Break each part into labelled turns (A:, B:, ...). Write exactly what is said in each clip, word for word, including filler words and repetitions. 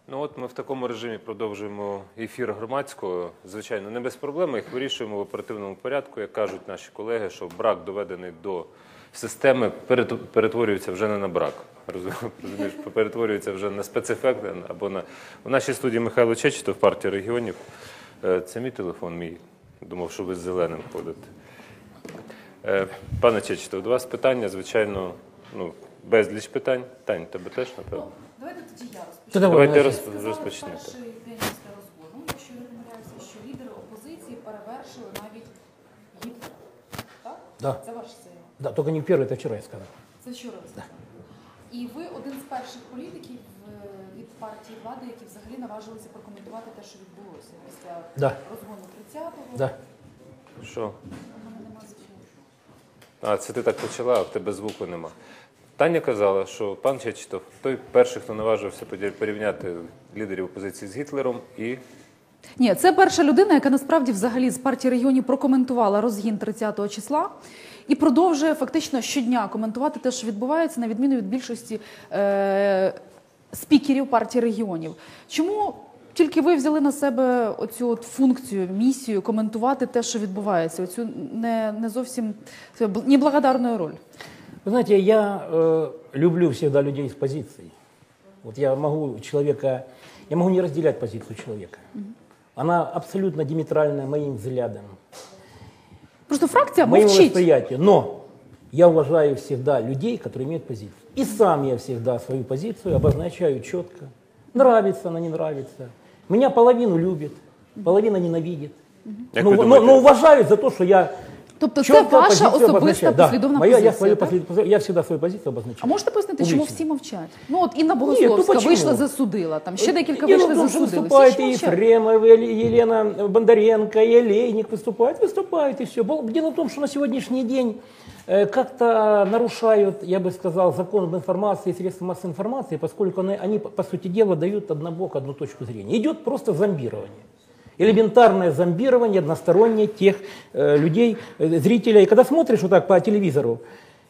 A: Ну от ми в такому режимі продовжуємо ефір громадського. Звичайно, не без проблем, їх вирішуємо в оперативному порядку. Як кажуть наші колеги, що брак, доведений до системи, перетворюється вже не на брак. Розумієш, перетворюється вже на спецефект або на... У нашій студії Михайло Чечетов, партія регіонів. Це мій телефон, мій. Думав, що ви з зеленим ходите. Пане Чечетов, до вас питання, звичайно, ну, безліч питань. Тань, тебе теж, напевно?
B: Давайте тоді я розпочну.
A: Давайте розпочнете.
B: Перший день після розгону, якщо я не помиляюся, що лідери опозиції перевершили навіть Гітлера. Так?
C: Да.
B: Це ваша заява?
C: Да, только не первый, это вчера я сказал.
B: Це вчора ви сказали. І ви один з перших політиків від партії влади, які взагалі наважилися прокоментувати те, що відбулося після
C: Да.
B: розгону тридцятого.
C: Да.
A: Що?
B: У мене нема звуку.
A: А, це ти так почала, а в тебе звуку нема. Таня казала, що пан Чечетов той перший, хто наважився порівняти лідерів опозиції з Гітлером і...
D: Ні, це перша людина, яка насправді взагалі з партії регіонів прокоментувала розгін тридцятого числа і продовжує фактично щодня коментувати те, що відбувається, на відміну від більшості е- спікерів партії регіонів. Чому тільки ви взяли на себе оцю от функцію, місію коментувати те, що відбувається, оцю не, не зовсім неблагодарну роль?
C: Вы знаете, я э, люблю всегда людей с позицией. Вот я могу человека, я могу не разделять позицию человека. Mm-hmm. Она абсолютно диаметральная моим взглядам.
D: Просто фракция
C: моим
D: молчит.
C: восприятием. Но я уважаю всегда людей, которые имеют позицию. И сам я всегда свою позицию обозначаю четко. Нравится она, не нравится. Меня половину любит, половина ненавидит. Mm-hmm. но, но, но уважают за то, что я...
D: Тобто це ваша особиста послідовна
C: да, моя,
D: позиція,
C: я, свою
D: так?
C: послід... я всегда свою позицію обозначаю.
D: А можете пояснити,
C: Публічно.
D: чому всі мовчать? Ну от Інна Богословська
C: Ні, ну,
D: вийшла, засудила, там ще декілька
C: Дело
D: вийшли,
C: в том, что
D: засудили.
C: выступает
D: Всі
C: и
D: ж мовчать.
C: Ефремов, и Елена Бондаренко, и Олейник выступает, выступает, и все. Дело в том, что на сегодняшний день э, как-то нарушают, я бы сказал, закон об информации и средства массовой информации, поскольку они, они, по сути дела, дают однобок одну точку зрения. Идет просто зомбирование. Элементарное зомбирование одностороннее тех э, людей, э, зрителей. И когда смотришь вот так по телевизору,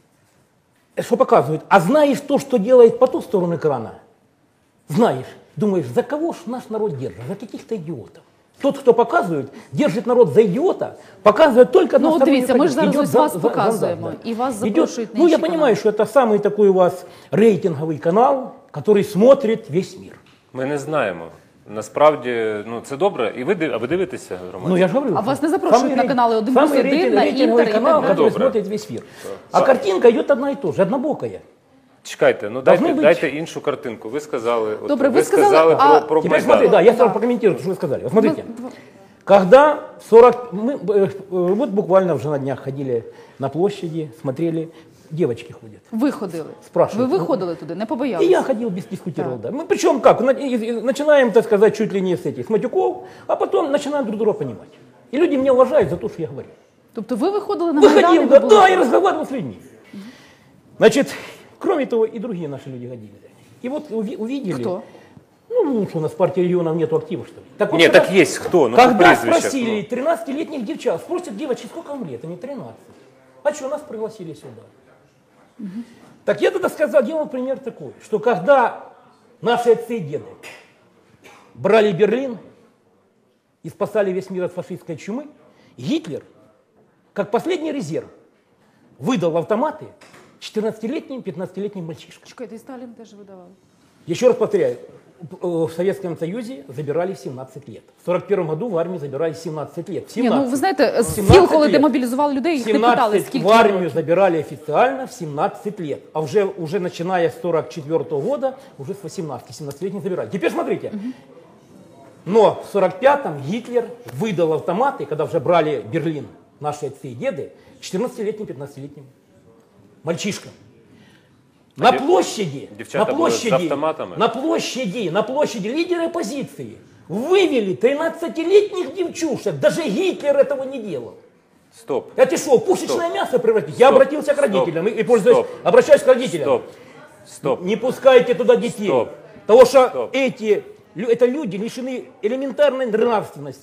C: что показывают, а знаешь то, что делает по ту сторону экрана? Знаешь, думаешь, за кого ж наш народ держит? За каких-то идиотов. Тот, кто показывает, держит народ за идиота, показывает только одностороннюю
D: Ну, дивіться, ми ж зараз
C: Идет
D: ось
C: за-
D: вас
C: за-
D: показуємо,
C: за- да.
D: і вас
C: Идет-
D: запрошують на
C: Ну, я
D: інші
C: понимаю,
D: канали.
C: что это самый такой у вас рейтинговый канал, который смотрит весь мир.
A: Ми не знаємо. Насправді, ну, це добре. І ви, див- а ви дивитеся громадське?
C: Ну, я же говорю.
D: А вас не запрошують
C: самый
D: на
C: рей-
D: каналы один
C: самый
D: плюс один,
C: рейтинг-
D: на
C: рейтинговый
D: Интер и
C: канал,
D: так
C: который
A: далее.
C: смотрит весь мир. А картинка идет одна и та же, однобокая.
A: Чекайте, ну
C: Должно
A: дайте,
C: быть.
A: дайте іншу картинку. Ви сказали, от,
D: Добре,
A: ви
D: ви сказали,
A: сказали
D: а-
A: про, про
C: Теперь
A: Майдан.
C: смотри, да, я
D: Да.
C: сразу прокомментирую, что вы сказали. Вот смотрите,
D: Ну,
C: когда сорок... Мы, э, э, вот буквально уже на днях ходили на площади, смотрели, девочки ходят.
D: Ви ходили.
C: Спрашивают.
D: Ви виходили туди, не
C: И
D: побоялися?
C: я ходил, без дискутировал, да. Мы причем как, на- и- и начинаем, так сказать, чуть ли не с этих, с матюков, а потом начинаем друг друга понимать. И люди меня уважают за то, что я говорю.
D: Тобто ви виходили на Майдан і
C: Выходил,
D: ви
C: да,
D: були?
C: да, и разговаривал с людьми. Значит, кроме того, и другие наши люди ходили. И вот уви- увидели...
D: Хто?
C: Ну, что у нас в партии регионов нету актива, что ли? Так вот,
A: Ні,
C: когда-
A: так є хто, ну по
C: Когда
A: прізвищах,
C: спросили
A: ну.
C: тринадцатилетних девчат, спросят девочки, сколько вам лет? Они тринадцать. А что, нас пригласили сюда? Так я тогда сказал, делал пример такой, что когда наши отцы и деды брали Берлин и спасали весь мир от фашистской чумы, Гитлер, как последний резерв, выдал автоматы четырнадцатилетним, пятнадцатилетним мальчишкам.
D: Чекайте, і Сталін теж видавав.
C: Еще раз повторяю, в Советском Союзе забирали в семнадцать лет. В сорок первом году в армии забирали в семнадцать лет. В
D: Ні,
C: семнадцать.
D: ну ви знаєте, з
C: семнадцать
D: ФІЛ, коли
C: лет.
D: демобілізували людей, їх не питали,
C: семнадцать
D: скільки
C: в армию
D: років.
C: забирали официально в семнадцать лет. А уже, уже начиная с сорок четвёртого года, уже с восемнадцати, семнадцатилетних забирали. Теперь смотрите. Но в сорок пятом Гитлер выдал автоматы, когда уже брали Берлин наши отцы и деды, четырнадцатилетним, пятнадцатилетним мальчишкам. На
A: дев-
C: площади,
A: девчата
C: на
A: были с
C: площади,
A: автоматами?
C: на площади, на площади лидеры оппозиции вывели тринадцатилетних девчушек. Даже Гитлер этого не делал.
A: Стоп.
C: Это что, пушечное
A: Стоп.
C: мясо превратить? Я
A: Стоп.
C: обратился к родителям и, и пользуюсь,
A: Стоп.
C: обращаюсь к родителям.
A: Стоп. Стоп.
C: Не пускайте туда детей.
A: Стоп.
C: Потому что
A: Стоп.
C: эти, лю- это люди лишены элементарной нравственности.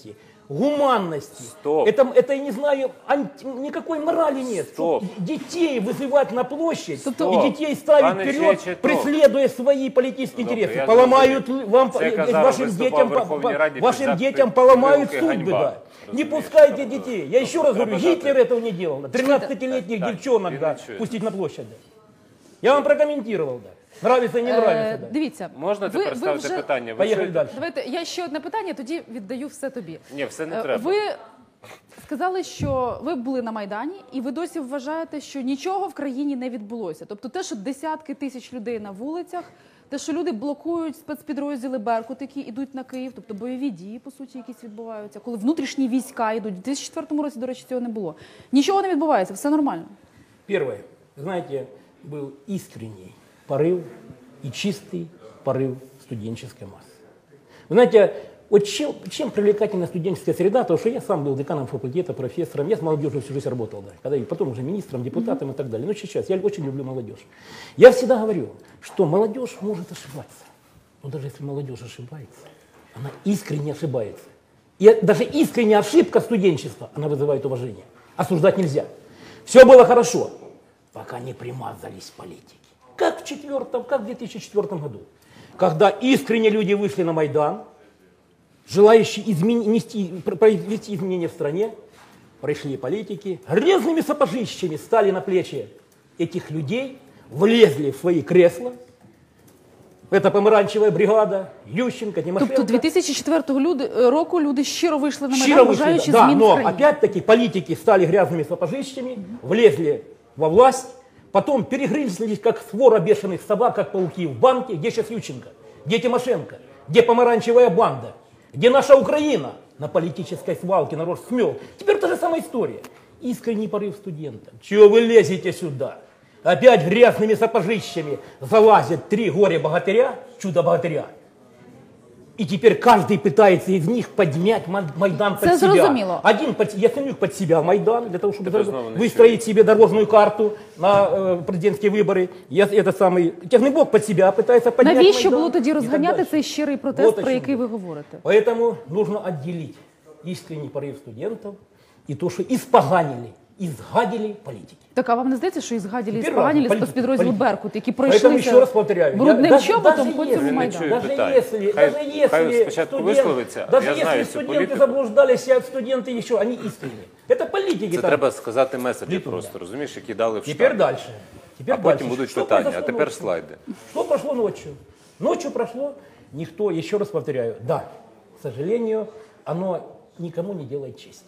C: гуманности.
A: Стоп.
C: Это, это, я не знаю, анти- никакой морали нет.
A: Стоп.
C: Детей вызывать на площадь
A: Стоп.
C: и детей ставить
A: Пане
C: вперед,
A: Чечетов.
C: преследуя свои политические
A: Добре,
C: интересы.
A: я
C: Поломают
A: зрозумів.
C: вам,
A: Це
C: э,
A: казав,
C: вашим,
A: виступав
C: детям,
A: в Верховній
C: по-
A: Раді
C: вашим
A: під
C: детям
A: запит
C: поломают
A: вилки
C: судьбы.
A: ганьба.
C: Да. Не
A: Розумієш?
C: пускайте детей. Я еще раз говорю,
A: Треба дати.
C: Гитлер этого не делал. тринадцатилетних
A: Так,
C: девчонок
A: він
C: да,
A: не чує.
C: пустить на площадь. Да. Я вам прокомментировал, да. Нравится, не нравится,
D: Е,
C: да.
D: Дивіться,
A: Можна
D: ви,
A: тепер
D: ви
A: ставити
D: вже...
A: питання? Ви
C: Поехали
A: чуєте?
C: дальше.
D: Давайте я ще одне питання, тоді віддаю все тобі.
A: Ні, все не
D: Е,
A: треба.
D: Ви сказали, що ви були на Майдані, і ви досі вважаєте, що нічого в країні не відбулося. Тобто те, що десятки тисяч людей на вулицях, те, що люди блокують спецпідрозділи «Беркут», які йдуть на Київ, тобто бойові дії, по суті, якісь відбуваються, коли внутрішні війська йдуть. У дві тисячі четвертому році, до речі, цього не було. Нічого не відбувається, все нормально.
C: Первое. Знаете, был искренний порыв и чистый порыв студенческой массы. Вы знаете, вот чем, чем привлекательна студенческая среда, потому что я сам был деканом факультета, профессором, я с молодежью всю жизнь работал, да, когда, и потом уже министром, депутатом и так далее. Но сейчас я очень люблю молодежь. Я всегда говорю, что молодежь может ошибаться. Но даже если молодежь ошибается, она искренне ошибается. И даже искренняя ошибка студенчества, она вызывает уважение. Осуждать нельзя. Все было хорошо, пока не примазались политики. Как в, четвертом, как в две тысячи четвёртом году, когда искренне люди вышли на Майдан, желающие измен... нести, произвести изменения в стране, пришли политики, грязными сапожищами стали на плечи этих людей, влезли в свои кресла. Это помаранчевая бригада, Ющенко, Тимошенко.
D: Тобто дві тисячі четвертого люди, року люди щиро вийшли на
C: Щиро
D: Майдан,
C: вышли,
D: бажаючи
C: да,
D: змін в
C: но
D: країні.
C: опять-таки политики стали грязными сапожищами, влезли во власть, потом перегрызлись, как свора бешеных собак, как пауки в банке. Где сейчас Ющенко? Где Тимошенко? Где помаранчевая банда? Где наша Украина? На политической свалке народ смел. Теперь та же самая история. Искренний порыв студентов. Чего вы лезете сюда? Опять грязными сапожищами залазят три горе-богатыря, чудо-богатыря. И теперь каждый пытается из них поднять Ма- Майдан под
D: Це
C: себя.
D: зрозуміло.
C: Один под, Яценюк под себя Майдан, для того, чтобы
A: Это
C: зар-
A: снова не
C: выстроить себе дорожную карту на э, президентские выборы. Я, это самый Технобок под себя пытается поднять
D: Навіщо
C: Майдан.
D: було тоді
C: И так
D: розганяти
C: дальше.
D: цей щирий протест,
C: Вот о
D: про
C: чем
D: який ви
C: я.
D: говорите?
C: Поэтому нужно отделить искренний порыв студентов и то, что испоганили, изгадили политики.
D: Так, а вам не здається, що і згаділі і
C: Теперь
D: споганілі
C: ладно,
D: спецпідрозділ
C: политики.
D: «Беркут», які
C: Поэтому еще
D: пройшлися
C: раз повторяю,
D: брудним
C: я- даже-
D: чоботом
C: даже
D: по
C: если-
D: цьому
A: не
D: Майдану?
A: чую.
C: Даже
A: питання.
C: если,
A: Хай-
C: даже если
A: хай спочатку
C: студент-
A: висловиться.
C: даже
A: Я
C: если
A: знаю цю
C: студенты
A: політику.
C: заблуждались, а студенты еще, они искренние. Это политики
A: Це
C: там.
A: треба сказати меседжі
C: Літом,
A: просто,
C: да.
A: розумієш, які дали в
C: Теперь
A: штат.
C: дальше. Теперь
A: А потім
C: дальше.
A: будуть
C: Что
A: питання, а
C: произошло
A: тепер
C: ночью?
A: слайди.
C: Что прошло ночью? Ночью прошло, никто, еще раз повторяю, да, к сожалению, оно никому не делает чести.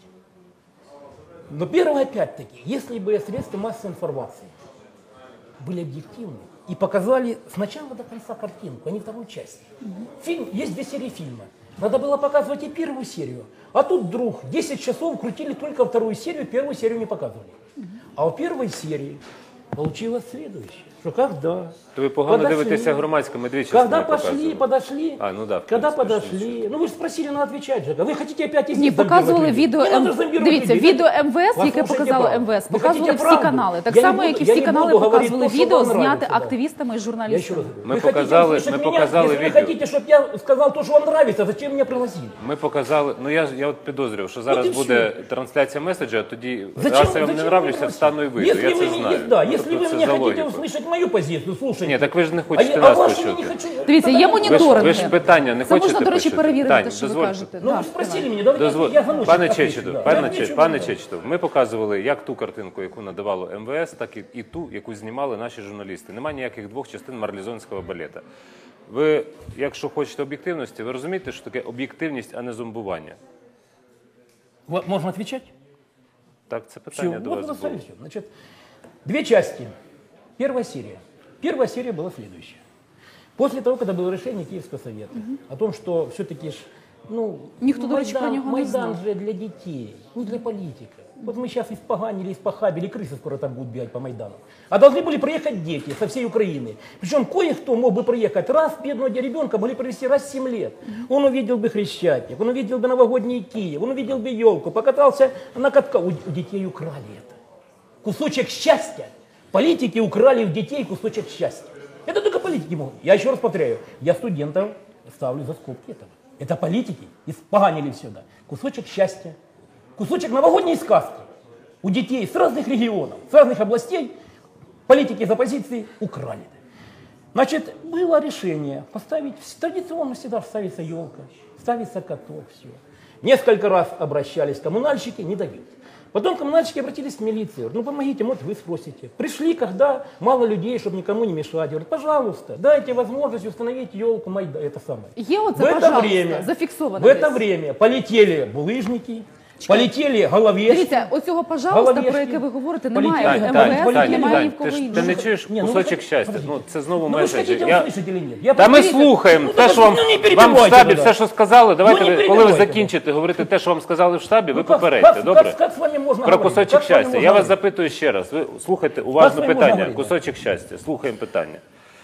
C: Но первое, опять-таки, если бы средства массовой информации были объективны и показали с начала до конца картинку, а не вторую часть. Фильм, есть две серии фильма. Надо было показывать и первую серию. А тут вдруг десять часов крутили только вторую серию, первую серию не показывали. А у первой серии получилось следующее. Что когда
A: То ви погано
C: подошли-
A: дивитеся громадське, ми дві
C: Когда
A: частини
C: пошли,
A: показували.
C: подошли,
A: А, ну да, в
C: когда
A: принципе,
C: подошли, ну вы же спросили, надо отвечать же. Вы хотите опять из
D: Ні,
C: них зомбировать
D: показували
C: людей?
D: відео
C: Не надо
D: М...
C: зомбировать
D: Дивіться,
C: людей.
D: відео МВС,
C: Послушайте
D: яке показало
C: правду.
D: МВС,
C: Вы
D: показували
C: хотите
D: всі
C: правду?
D: канали. Так
C: Я не
D: само,
C: буду-
D: як і
C: я
D: всі
C: не
D: канали
C: буду говорить
D: показували
C: то, що
D: відео,
C: вам
D: зняте
C: нравится, да.
D: активістами і
C: Я еще раз
D: журналістами.
C: говорю,
A: Мы
C: вы хотите
A: показали-
C: услышать
A: мы
C: меня?
A: показали
C: Если вы
A: видео.
C: хотите, чтобы я сказал то, что вам нравится, зачем меня пригласили?
A: Ми показали, ну я, я от підозрював, що зараз
C: і
A: буде трансляція меседжа, а тоді,
C: Зачем,
A: раз я вам не
C: зачем
A: нравлюся,
C: вы
A: встану і вийду,
C: Если
A: я
C: вы
A: це
C: мне-
A: знаю.
C: Да,
A: Ну,
C: если
A: тобто
C: вы
A: це
C: мне
A: за
C: хотите
A: логікою.
C: услышать мою позицию, слушайте.
A: Ні, так ви ж не
C: а,
A: хочете
C: я- а
A: нас
C: вашу я
A: почути.
C: не хочу.
D: Дивіться, є
A: Ви ж,
D: моніторинги.
A: ви ж питання не
D: Це
A: хочете
D: можна, до речі,
A: почути?
D: перевірити,
A: Тань,
D: те, що ви
A: дозвольте.
D: кажете.
C: Ну,
D: Да,
C: вы спросили
D: давай.
C: меня, давайте
A: Дозволь...
C: я замучу.
A: Пане
C: отвечу,
A: Чечетов,
C: да.
A: пане,
C: Я
A: Че-
C: отвечу,
A: пане
C: да.
A: Чечетов, ми показували як ту картинку, яку надавало МВС, так і, і ту, яку знімали наші журналісти. Немає ніяких двох частин марлезонського балета. Ви, якщо хочете об'єктивності, ви розумієте, що таке об'єктивність, а не зомбування?
C: Вот, можно отвечать?
A: Так, це
C: Все,
A: питання до
C: вот
A: вас
C: вы
A: було.
C: все. Значит, две части. Первая серия. Первая серия была следующая. После того, когда было решение Киевского совета о том, что все-таки ж, ну,
D: Никто, до речі, про нього не
C: Майдан
D: знав.
C: же для детей, не для политика. Вот мы сейчас испоганили, испохабили, крысы скоро там будут бегать по Майдану. А должны были приехать дети со всей Украины. Причем кое-кто мог бы приехать раз, бедного ребенка могли привезти раз в семь лет. Он увидел бы Хрещатик, он увидел бы новогодний Киев, он увидел бы елку, покатался на катках. У, у детей украли это. Кусочек счастья. Политики украли у детей кусочек счастья. Это только политики могут. Я еще раз повторяю, я студентов ставлю за скобки этого. Это политики испоганили все, да. Кусочек счастья, кусочек новогодней сказки у детей с разных регионов, с разных областей политики из оппозиции украли. Значит, было решение поставить, традиционно всегда ставится елка, ставится каток, все. Несколько раз обращались коммунальщики, не дают. Потом коммунальщики обратились в милицию. Ну, помогите, вот вы спросите. Пришли, когда мало людей, чтобы никому не мешать. Говорят, пожалуйста, дайте возможность установить елку, майда, это самое.
D: Є оце,
C: В это
D: пожалуйста,
C: время,
D: зафіксовано
C: в это
D: десь.
C: время полетели булыжники, полетели головешки.
D: Дивіться, оцього пожалуйста, про
C: Головешки.
D: яке ви говорите,
C: Політики.
D: немає
C: Тань,
D: в
C: Тань,
D: МВС,
C: Тань,
A: Тань,
D: немає ні
A: Тань,
D: в кого
A: ти ж ти
D: іншого.
A: не чуєш
C: Не, ну
A: кусочок
C: ви-
A: щастя.
C: подождіть.
A: Ну це знову
C: Ну, вы же
A: меседжі.
C: хотите
A: Я...
C: услышать или нет? Я
A: Та ми
C: просто-
A: слухаємо
C: Ну,
A: те, що вам,
C: ну, не
A: вам в
C: перебивайте
A: штабі
C: тогда.
A: все, що сказали. Давайте,
C: Ну, не
A: ви, коли ви
C: перебивайте.
A: закінчите говорити те, що вам сказали в штабі, ви
C: Ну, как-
A: попередьте,
C: как-
A: добре?
C: как- как с вами можно
A: Про
C: говорить?
A: кусочок
C: Как с вами
A: щастя.
C: можно
A: Я вас
C: говорить?
A: запитую ще раз. Ви слухайте уважно
C: Как с вами можна
A: питання.
C: говорити?
A: Кусочок щастя. Слухаємо питання.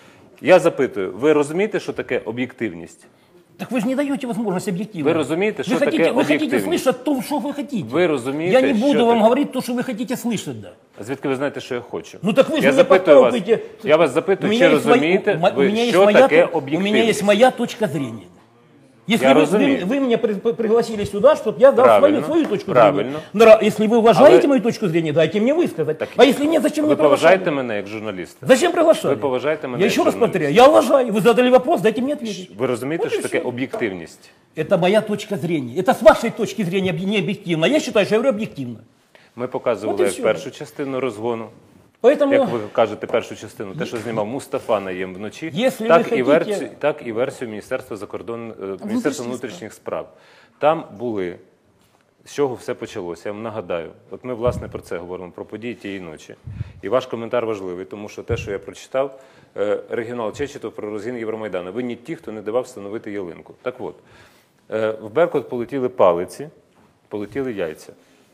A: Я запитую, ви розумієте, що таке об'єктивність?
C: Так вы же не даете возможность объективно.
A: Вы разумеете,
C: Вы
A: что
C: хотите,
A: такое
C: Вы хотите
A: объективность?
C: слышать то, что вы хотите.
A: Ви розумієте,
C: Я не буду
A: що
C: вам
A: таке?
C: говорить то, что вы хотите слышать, да.
A: А звідки ви знаєте, що я хочу?
C: Ну так вы же
A: я
C: меня
A: запитую вас,
C: подталкиваете.
A: я вас
C: У
A: запитую,
C: меня
A: чи
C: есть моя-
A: розумієте
C: у ма- у
A: ви,
C: меня есть
A: що
C: моя
A: таке
C: то- У меня
A: об'єктивність?
C: есть моя точка зрения. Если
A: Я
C: вы,
A: разумею.
C: вы, вы меня при- при- пригласили сюда, чтобы я дал свою,
A: Правильно,
C: свою точку
A: правильно.
C: зрения. Нра- Если вы уважаете
A: Але-
C: мою точку зрения, дайте мне высказать. А если нет, зачем
A: Ви
C: мне
A: поважаєте
C: приглашали?
A: мене як журналіста?
C: Зачем приглашали?
A: Ви поважаєте мене
C: Я
A: як
C: еще раз
A: журналіста?
C: повторяю, я уважаю. Вы задали вопрос, дайте мне ответить.
A: Ви розумієте,
C: Вот и
A: що таке
C: всё.
A: об'єктивність?
C: Это моя точка зрения. Это с вашей точки зрения не объективно. Я считаю, что я говорю объективно.
A: Ми показували
C: От і
A: як
C: всьо.
A: першу частину розгону,
C: Поэтому
A: як ви кажете, першу частину, те, що знімав Мустафа Наєм вночі,
C: Якщо
A: так,
C: ви
A: і
C: хотіте-
A: версію, так і версію Міністерства закордон... е, Міністерства
D: Внутрішніх
A: внутрішніх справ. Там були, з чого все почалося, я вам нагадаю. От ми, власне, про це говоримо, про події тієї ночі. І ваш коментар важливий, тому що те, що я прочитав, е, регіонал Чечетов про розгін Євромайдану. Ви не ті, хто не давав встановити ялинку. Так от, е, в Беркут полетіли палиці, полетіли яйця.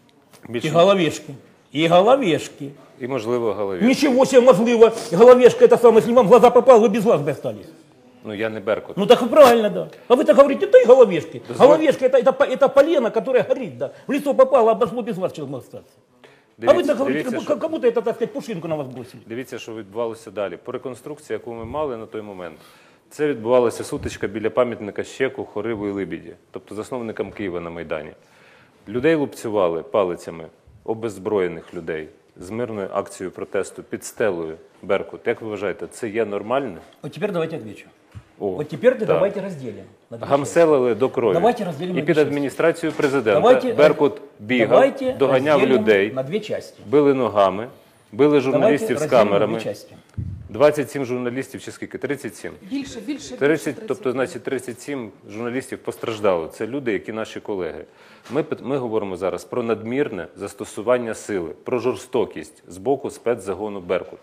C: и
A: Більше,
C: головешки. И головешки.
A: і, можливо, голові.
C: Ничего себе, мозливо. Головешка это самое, если вам в глаза попал, вы без глаз бы остались.
A: Ну, я не Беркут.
C: Ну так и правильно, да. А вы так говорите, это и головешки.
A: Дозволь-
C: Головешка это, это, по- это полено, которое горит, да. В лицо попало, обошло без вас человек мог остаться. А вы
A: Дивіться,
C: так говорите,
A: дивіться,
C: как,
A: що,
C: как будто это, так сказать, пушинку на вас бросили.
A: дивіться, що відбувалося далі. По реконструкції, яку ми мали на той момент, це відбувалася сутичка біля пам'ятника Щеку, Хориву і Либіді, тобто засновникам Києва на Майдані. Людей лупцювали палицями, обеззброєних людей, з мирною акцією протесту під стелою Беркут. Як ви вважаєте, це є нормально?
C: Вот теперь давайте отвечу.
A: О,
C: Вот теперь
A: так.
C: давайте разделим. на две части.
A: Гамселили до крові.
C: Давайте розділимо
A: І
C: на
A: під
C: дві
A: адміністрацією президента
C: Давайте,
A: Беркут бігав,
C: давайте
A: доганяв
C: разделим
A: людей,
C: на две части.
A: били ногами, били журналістів
C: Давайте
A: з
C: разделим на
A: камерами.
C: две части.
A: двадцять сім журналістів чи скільки? тридцять сім.
B: Більше, більше.
A: тридцять,
B: більше
A: тобто, значить, тридцять сім журналістів постраждало. Це люди, які наші колеги. Ми, пит- ми говоримо зараз про надмірне застосування сили, про жорстокість з боку спецзагону «Беркут».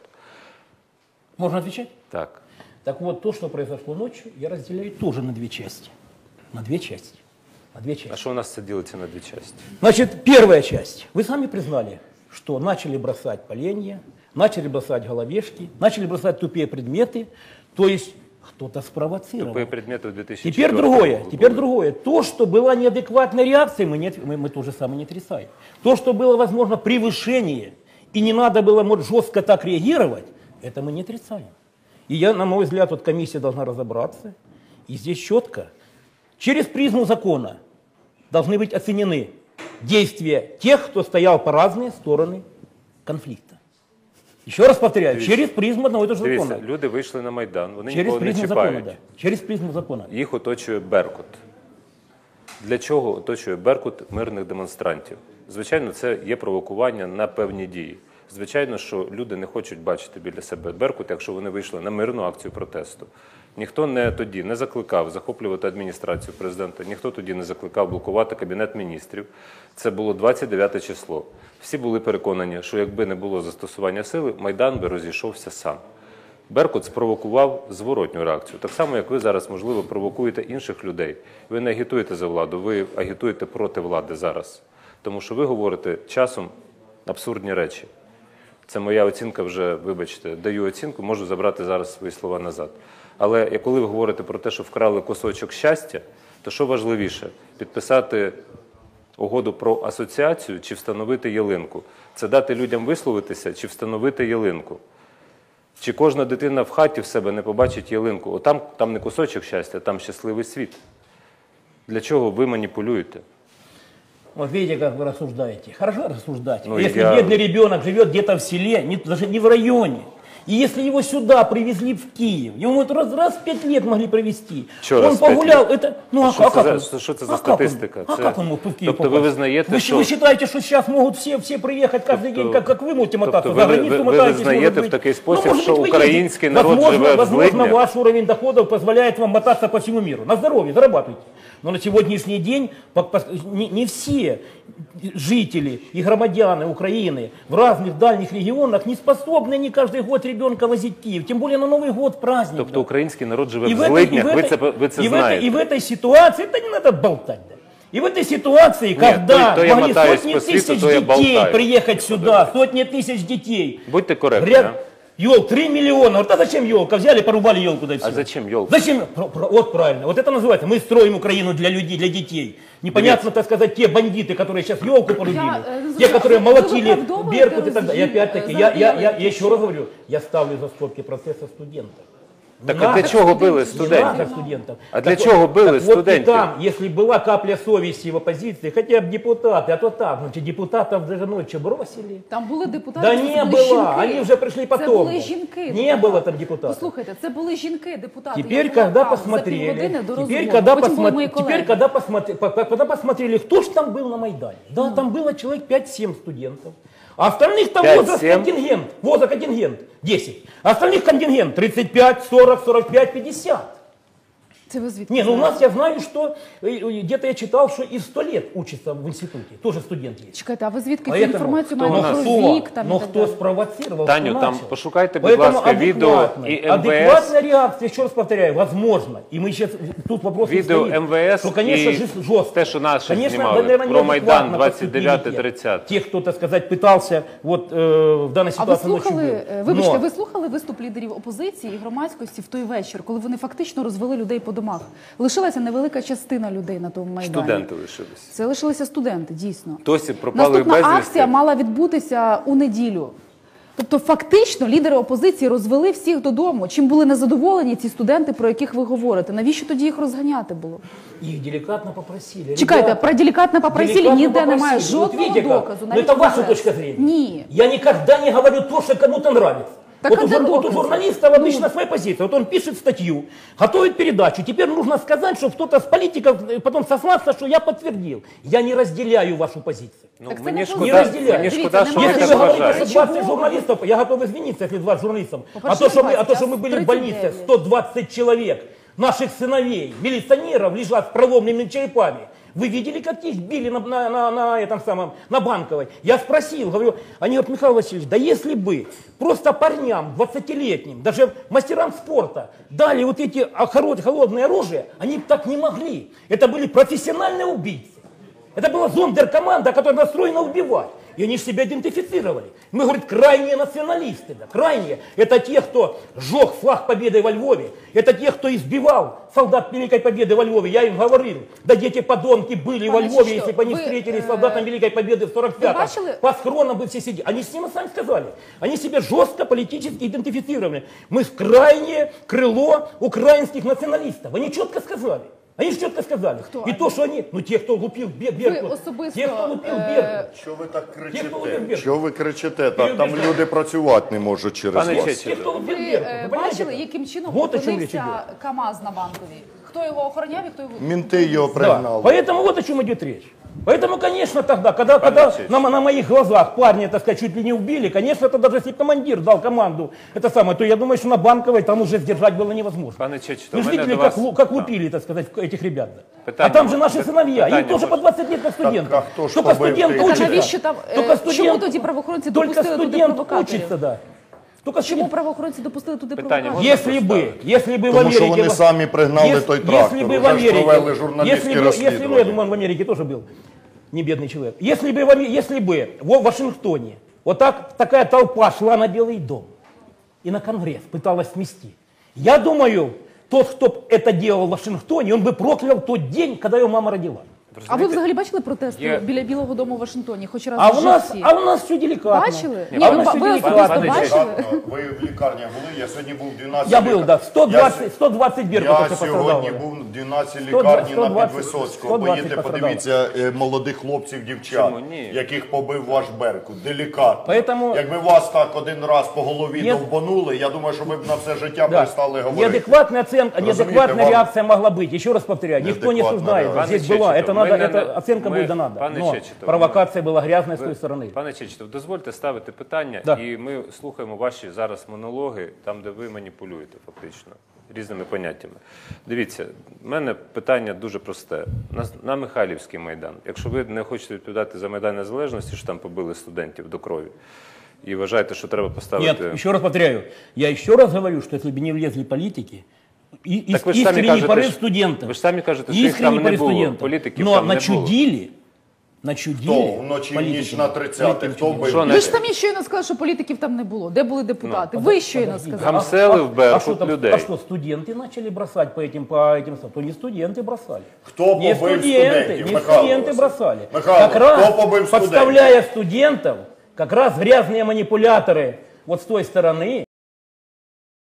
C: Можно отвечать?
A: Так.
C: Так вот, то, что произошло ночью, я разделяю тоже на две части. На две части. На две части.
A: А що у нас це ділиться на дві частини?
C: Значит, первая часть. Вы сами признали, что начали бросать поленья, начали бросать головешки, начали бросать тупые предметы. То есть кто-то спровоцировал.
A: Тупые предметы в две тысячи
C: Теперь
A: четвёртом
C: другое,
A: году
C: теперь
A: были.
C: другое. То, что была неадекватная реакция, мы, не, мы, мы тоже самое не отрицаем. То, что было, возможно, превышение, и не надо было, может, жестко так реагировать, это мы не отрицаем. И я, на мой взгляд, вот комиссия должна разобраться, и здесь четко, через призму закона должны быть оценены действия тех, кто стоял по разные стороны конфликта. Еще раз повторяю,
A: Дивіться.
C: через призму одного и того же
A: Дивіться,
C: закона.
A: люди вийшли на Майдан, вони
C: Через
A: нікого не
C: призму закона,
A: чіпають.
C: да. Через призму закона.
A: Їх оточує «Беркут». Для чого оточує «Беркут» мирних демонстрантів? Звичайно, це є провокування на певні дії. Звичайно, що люди не хочуть бачити біля себе «Беркут», якщо вони вийшли на мирну акцію протесту. Ніхто не тоді не закликав захоплювати адміністрацію президента, ніхто тоді не закликав блокувати Кабінет міністрів. Це було двадцять дев'яте число. Всі були переконані, що якби не було застосування сили, Майдан би розійшовся сам. «Беркут» спровокував зворотню реакцію. Так само, як ви зараз, можливо, провокуєте інших людей. Ви не агітуєте за владу, ви агітуєте проти влади зараз. Тому що ви говорите часом абсурдні речі. Це моя оцінка вже, вибачте, даю оцінку, можу забрати зараз свої слова назад. Але коли ви говорите про те, що вкрали кусочок щастя, то що важливіше? Підписати угоду про асоціацію чи встановити ялинку? Це дати людям висловитися чи встановити ялинку? Чи кожна дитина в хаті в себе не побачить ялинку? О, там, там не кусочок щастя, там щасливий світ. Для чого ви маніпулюєте?
C: Вот видите, как вы рассуждаете. Хорошо рассуждать.
A: Ну,
C: если
A: я-
C: бедный ребенок живет где-то в селе, не, даже не в районе, и если его сюда привезли в Киев, ему вот раз, раз в пять лет могли привезти,
A: Чё
C: он
A: раз в пять
C: погулял,
A: лет?
C: это, ну а,
A: Що
C: а
A: це
C: как
A: за-
C: он?
A: що це за
C: А как он?
A: статистика?
C: А
A: Це-
C: как он мог в Киев
A: Тобто ви
C: попасть?
A: визнаєте,
C: вы,
A: що-
C: вы считаете, что сейчас могут все, все приехать каждый
A: Тобто-
C: день, как, как вы можете мотаться?
A: тобто
C: За
A: ви-
C: границу
A: ви- ви
C: мотаетесь,
A: визнаєте
C: может
A: в
C: быть.
A: такий
C: Ну,
A: спосіб,
C: может
A: що
C: быть, вы
A: український
C: едете.
A: народ
C: возможно,
A: живе в
C: Возможно,
A: злиднях?
C: ваш уровень доходов позволяет вам мотаться по всему миру. На здоровье, зарабатывайте. Но на сегодняшний день по- по- не, не все жители и громадяне Украины в разных дальних регионах не способны не каждый год ребенка возить в Киев. Тем более на Новый год праздник.
A: Тобто
C: да.
A: український народ живе
C: И
A: в
C: в этой- и
A: злиднях,
C: в
A: ви
C: этой-
A: це, ви це
C: и в этой-
A: знаєте.
C: И в этой ситуации, это не надо болтать. Да. И в этой ситуации,
A: Нет,
C: когда
A: то- то я
C: могли
A: мотаюсь
C: сотни
A: по свету,
C: тысяч
A: то я
C: детей
A: болтаю.
C: приехать сюда, сотни тысяч детей.
A: Будьте коректні.
C: Ряд...
A: а?
C: Ёл, три миллиона. Вот а зачем елка? Взяли, порубали елку, да и все.
A: А зачем елку?
C: Зачем? Про- про- Вот правильно. Вот это называется. Мы строим Украину для людей, для детей. Непонятно, так сказать, те бандиты, которые сейчас елку порубили,
D: Я, э,
C: те, которые
D: вы
C: молотили
D: виправдовуєте
C: Беркут и так далее. И
D: розгін,
C: опять-таки,
D: е,
C: я, я, я,
D: заробітки
C: я
D: чи
C: еще
D: що?
C: раз говорю, я ставлю за скобки процесса студентов. Не
A: Так а для
C: надо
A: чого били
C: Не
A: студентів?
C: надо студентов.
A: А для
C: Так
A: чого
C: вот-
A: били
C: так вот и
A: студентів?
C: там, если была капля совести в оппозиции, хотя бы депутаты, а то так, значит, депутатов даже ночью бросили.
D: Там були депутати,
C: Да
D: це
C: не
D: були
C: было,
D: жінки.
C: они уже пришли
D: Це
C: потом.
D: були жінки.
C: Не
D: депутати.
C: было там депутатов.
D: Послухайте, це були жінки, депутати.
C: Теперь,
D: Я була
C: когда
D: там за
C: посмотрели,
D: півгодини до
C: теперь,
D: розмови.
C: когда,
D: Потім були
C: посмотри-
D: мої
C: теперь,
D: колеги.
C: когда, посмотри, по- по- когда посмотрели, кто же там был на Майдане. Да, там было человек пять-семь студентов. А остальных там возраст
A: пять-семь?
C: контингент. Возраст контингент десять. А остальных контингент тридцать пять, сорок, сорок пять, пятьдесят.
D: Це ви звідки
C: Не, ну у
D: знаєте?
C: нас я знаю, что э, э, где-то я читал, что и сто лет учится в институте. Тоже студент есть.
D: Чекайте, а ви звідки цю
C: Поэтому
D: інформацію
C: кто-
D: маєте
A: у нас-
D: про
C: кто,
D: вік там
C: но
D: і так
C: кто
D: далі?
C: спровоцировал,
A: Таню,
C: кто
A: там
C: начал.
A: пошукайте, будь
C: Поэтому
A: ласка, відео
C: адекватная-
A: і ем ве ес.
C: Адекватная реакция, еще раз повторяю, возможно. И мы сейчас, тут вопрос не
A: Відео
C: стоит,
A: ем ве ес
C: что, конечно,
A: і
C: же, жестко.
A: те, що наші
C: Конечно,
A: знімали
C: наверное,
A: про Майдан
C: неадекватно
A: двадцять дев'яте
C: поступили
A: тридцяте.
C: те, кто, так сказать, пытался вот, э, в данной
D: А ви
C: ситуации ночью
D: слухали,
C: был.
D: е, вибачте,
C: Но-
D: ви слухали виступ лідерів опозиції і громадськості в той вечір, коли вони фактично розвели людей по домах? Лишилася невелика частина людей на тому майдані.
A: Студенти лишились.
D: Це лишилися студенти, дійсно.
A: Досі пропали
D: Наступна
A: безвісти.
D: акція мала відбутися у неділю. Тобто, фактично, лідери опозиції розвели всіх додому. Чим були незадоволені ці студенти, про яких ви говорите? Навіщо тоді їх розганяти було?
C: Их деликатно попросили.
D: Чекайте,
C: «Ребята,
D: про делікатно попросили,
C: деликатно
D: ніде немає
C: попросили». Вот
D: жодного
C: видите как?
D: доказу.
C: Но
D: навіть
C: это ваша
D: в
C: точка
D: ес.
C: зрения.
D: Ні.
C: Я никогда не говорю то, что кому-то нравится.
D: Так
C: вот,
D: а
C: у,
D: где
C: жур- вот у
D: доказы?
C: журналистов обычно своя позиция. Вот он пишет статью, готовит передачу. Теперь нужно сказать, что кто-то с политиков э, потом сослаться, что я подтвердил. Я не разделяю вашу позицию.
A: Ну,
D: Так це
A: мені
D: не
A: шкода,
C: Не разделяю.
A: мені
D: Дивіться,
A: шкода, що ви
D: немає
C: Если
A: так
C: вы говорите,
A: вважаєте.
C: что двадцать журналистов, я готов извиниться, если двадцать журналистов. А
D: По-перше,
C: то, что мы, а то,
D: двадцать,
C: что мы были в
D: тридцать
C: больнице,
D: девять.
C: сто двадцать человек, наших сыновей, милиционеров лежат с проломленными черепами. Вы видели, как их били на, на, на, на этом самом, на Банковой? Я спросил, говорю, они говорят, Михаил Васильевич, да если бы просто парням, двадцатилетним, даже мастерам спорта дали вот эти а, хоро- холодное оружие, они бы так не могли. Это были профессиональные убийцы. Это была зондеркоманда, которая настроена убивать. И они же себя идентифицировали. Мы, говорит, крайние националисты. Да, крайние. Это те, кто сжег флаг победы во Львове. Это те, кто избивал солдат Великой Победы во Львове. Я им говорил, да дети подонки были во
D: Пане
C: Львове,
D: Чичто,
C: если бы они
D: вы,
C: встретились с
D: э,
C: солдатом Великой Победы в сорок пятом.
D: бачили?
C: По схронам бы все сидели. Они с ним сами сказали. Они себя жестко политически идентифицировали. Мы крайнее крыло украинских националистов. Они четко сказали. Они же четко сказали.
D: Кто
C: И
D: они?
C: то, что они, ну те, кто лупил Бе- Беркут,
D: особисто,
C: те, кто лупил
D: е,
C: Беркут,
E: Що ви так
C: Ті, хто
E: кричите?
C: любить.
E: Що ви кричите? Так там люди працювати не можуть через
A: Пане
E: вас.
A: Чечетов,
C: те, кто лупил
D: Ви
C: Беркут.
D: е,
C: Вы понимаете
D: бачили,
C: как?
D: яким чином
C: Вот о чем речь
D: опинився
C: идет.
D: КАМАЗ на Банковій? Хто його охороняв і хто його...
E: Мінти його
C: Да.
E: пригнали.
C: Поэтому вот о чем идет речь. Поэтому, конечно, тогда, когда, когда
A: Чечетов.
C: на, на моих глазах парни, так сказать, чуть ли не убили, конечно, это даже если командир дал команду, это самое, то я думаю, что на Банковой там уже сдержать было невозможно.
A: Пане Чечетов,
C: Вы
A: у
C: же
A: мене
C: видели,
A: до
C: как,
A: вас...
C: лу- как
A: Так.
C: лупили, так сказать, этих ребят. да?
A: Питання
C: А там же
A: можна?
C: наши сыновья,
A: Питання
C: им тоже
A: можна?
C: по двадцать лет, как студенты.
E: а хто ж
C: Только
E: побив
C: студент
E: тих?
D: Так, а
C: учится.
D: навіщо там... е,
C: Только студент,
D: Чому тоді правоохоронці
C: только
D: допустили туди
C: студент
D: провокаторів?
C: учится, да. Только
D: Чому
C: студент.
D: правоохоронці допустили туди
A: Питання
D: провокаторів?
A: можна?
C: Если бы, если бы в
E: Тому що
C: Америке...
E: вони самі пригнали той трактор.
C: Если бы в
E: Вже ж
C: Америке...
E: провели журналістські
C: Если бы, если бы, я
E: розслідування.
C: думаю, он в Америке тоже был не бедный человек. Если бы, в Аме- если бы в Вашингтоне вот так, такая толпа шла на Белый дом и на Конгресс пыталась смести, я думаю, тот, кто это делал в Вашингтоне, он бы проклял тот день, когда его мама родила.
D: А ви
A: розумієте,
D: взагалі бачили протести
A: є-
D: біля Білого дому в Вашингтоні? Хоч раз
C: А
D: в
C: у нас,
D: житті?
C: а у нас все деликатно.
D: Бачили?
C: А
D: Ні,
C: у
D: ви,
C: нас все
D: ви
C: деликатно.
D: особисто
A: Пане
D: бачили?
E: Ви в лікарні були? Я сьогодні був в дванадцятій
C: Я был,
E: лікар-
C: да. сто двадцать,
E: Я,
C: сто двадцать
E: я
C: беркутов
E: сьогодні
C: пострадало.
E: був в дванадцятій
C: сто
E: лікарні
C: двадцять,
E: на Підвисоцького.
C: сто двадцять
E: Поїдьте,
C: пострадало.
E: подивіться е, молодих хлопців, дівчат,
A: Чому ні?
E: яких побив ваш Беркут. Делікатно.
C: Поэтому-
E: Якби вас так один раз по голові
C: Нет.
E: довбанули, я думаю, що ви б на все життя
C: Да.
E: перестали говорити.
C: Неадекватная оценка,
E: Разумеете,
C: неадекватная
E: вам-
C: реакция могла быть. Еще раз повторяю, никто не
E: Неадекватная
C: осуждает.
E: реакция.
C: Здесь
A: Пане
C: была,
A: Чечетов,
C: это надо,
A: мы не-
C: эта оценка
A: мы-
C: будет дана.
A: Пане
C: Но
A: Чечетов,
C: провокация была грязная с
A: Ви-
C: той стороны.
A: Пане Чечетов, дозвольте ставити питання,
C: Да.
A: і ми слухаємо ваші зараз монологи, там, де ви маніпулюєте фактично різними поняттями. Дивіться, в мене питання дуже просте. На, на Михайлівський Майдан. Якщо ви не хочете відповідати за Майдан Незалежності, що там побили студентів до крові, і вважаєте, що треба поставити...
C: Нет, еще раз повторяю. Я еще раз говорю, что если бы не влезли политики, и,
A: Так ви ж самі
C: искренний
A: кажете,
C: порыв
A: що-
C: студентов,
A: ви ж самі кажете, що їх
C: искренний
A: там не
C: порыв
A: було,
C: студентов,
A: політиків
C: но
A: там не було.
C: начудили, начудили
E: Хто вночі в
C: политики.
E: ніч на тридцяте, хто
C: Политики.
E: бив?
A: Що,
D: Ви ж самі щойно сказали, що політиків там не було. Де були депутати? Ви щойно сказали.
A: Гамсели в Беркут
C: а что там-
A: людей.
C: А что, студенты начали бросать по этим, по этим, то не студенты бросали.
E: Хто
C: Не
E: побив
C: студенты,
E: студентів?
C: не
E: Михайло
C: студенты
E: Васильович?
C: бросали.
E: Михайло,
C: как раз,
E: хто побив студентів?
C: подставляя студентов, как раз грязные манипуляторы вот с той стороны